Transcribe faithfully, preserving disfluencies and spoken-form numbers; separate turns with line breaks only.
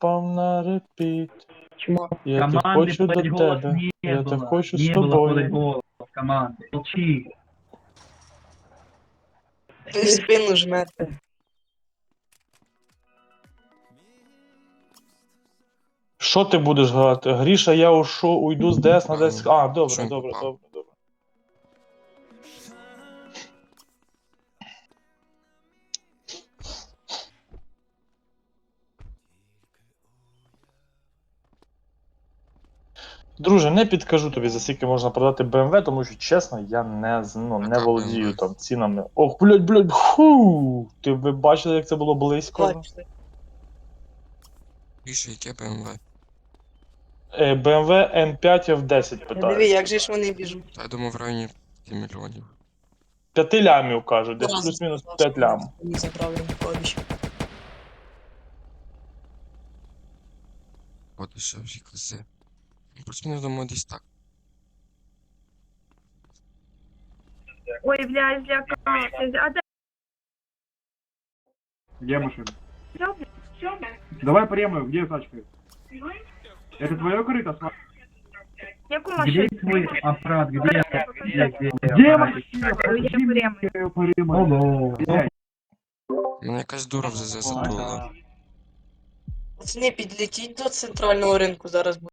впав на репіт.
Чмо.
Я те
Команды
хочу до
подать голос
тебе,
не
я те
было.
хочу з
Не было подать
тобою.
голос команды. Молчи.
Ти в спину жмете.
Що ти будеш грати? Гріша, я ушу, уйду з ДС на десять. А, добре,
Що він
добре,
попав?
добре, добре. Друже, не підкажу тобі, за скільки можна продати БМВ, тому що, чесно, я не, з- ну, не
Яка
володію
BMW?
там цінами. Ох, блядь, блядь, ху! Ти ви бачили, як це було близько?
Бачите.
Більше яке БМВ?
Е, БМВ М п'ять Ф десять
Диви,
питають.
як же ж вони біжуть.
Та я думав в районі п'яти мільйонів.
П'яти лямів, кажуть, десь
Разом
плюс-мінус
сказав,
п'ять
що
лям.
вони забрали Януковича.
О, дешевші кози. Плюс-мінус думаю десь так.
Ой, бля, злякався. А де
Где машина?
взяв? Що?
Давай премию, где тачка? Это твое корыто? Сма-
Яку
Где
машину?
твой аппарат? Где? Где, где,
Где
машина?
Я прямо.
Алло.
Мене якась дура вже затулила.
Пацани, підлетіть до центрального ринку, зараз